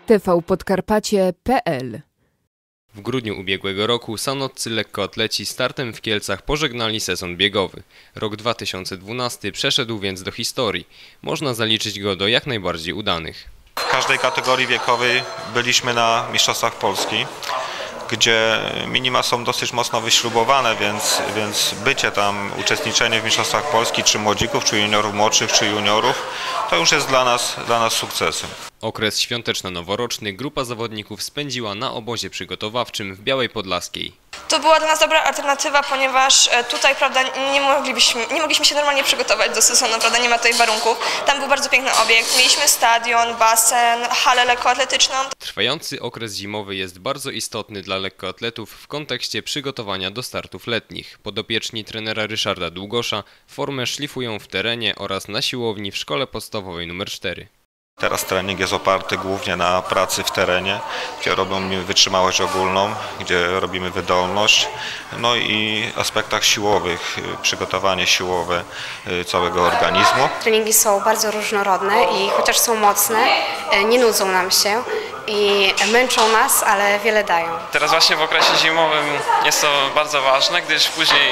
tvpodkarpacie.pl. W grudniu ubiegłego roku sanoccy lekkoatleci startem w Kielcach pożegnali sezon biegowy. Rok 2012 przeszedł więc do historii. Można zaliczyć go do jak najbardziej udanych. W każdej kategorii wiekowej byliśmy na Mistrzostwach Polski, gdzie minima są dosyć mocno wyśrubowane, więc bycie tam, uczestniczenie w Mistrzostwach Polski, czy młodzików, czy juniorów młodszych, czy juniorów, to już jest dla nas sukcesem. Okres świąteczno-noworoczny grupa zawodników spędziła na obozie przygotowawczym w Białej Podlaskiej. To była dla nas dobra alternatywa, ponieważ tutaj, prawda, nie mogliśmy się normalnie przygotować do sezonu, prawda, nie ma tutaj warunków. Tam był bardzo piękny obiekt, mieliśmy stadion, basen, halę lekkoatletyczną. Trwający okres zimowy jest bardzo istotny dla lekkoatletów w kontekście przygotowania do startów letnich. Podopieczni trenera Ryszarda Długosza formę szlifują w terenie oraz na siłowni w szkole podstawowej nr 4. Teraz trening jest oparty głównie na pracy w terenie, gdzie robimy wytrzymałość ogólną, gdzie robimy wydolność, no i aspektach siłowych, przygotowanie siłowe całego organizmu. Treningi są bardzo różnorodne i chociaż są mocne, nie nudzą nam się i męczą nas, ale wiele dają. Teraz właśnie w okresie zimowym jest to bardzo ważne, gdyż później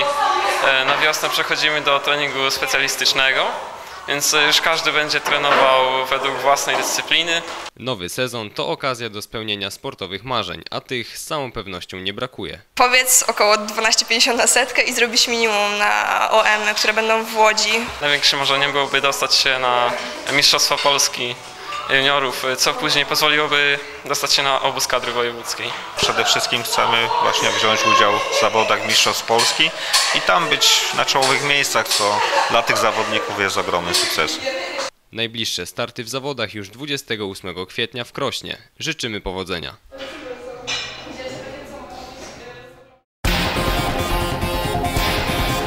na wiosnę przechodzimy do treningu specjalistycznego. Więc już każdy będzie trenował według własnej dyscypliny. Nowy sezon to okazja do spełnienia sportowych marzeń, a tych z całą pewnością nie brakuje. Powiedz około 12,50 na setkę i zrobić minimum na OM, które będą w Łodzi. Największym marzeniem byłoby dostać się na Mistrzostwa Polski juniorów, co później pozwoliłoby dostać się na obóz kadry wojewódzkiej. Przede wszystkim chcemy właśnie wziąć udział w zawodach Mistrzostw Polski i tam być na czołowych miejscach, co dla tych zawodników jest ogromnym sukcesem. Najbliższe starty w zawodach już 28 kwietnia w Krośnie. Życzymy powodzenia.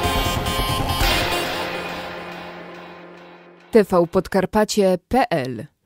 tvpodkarpacie.pl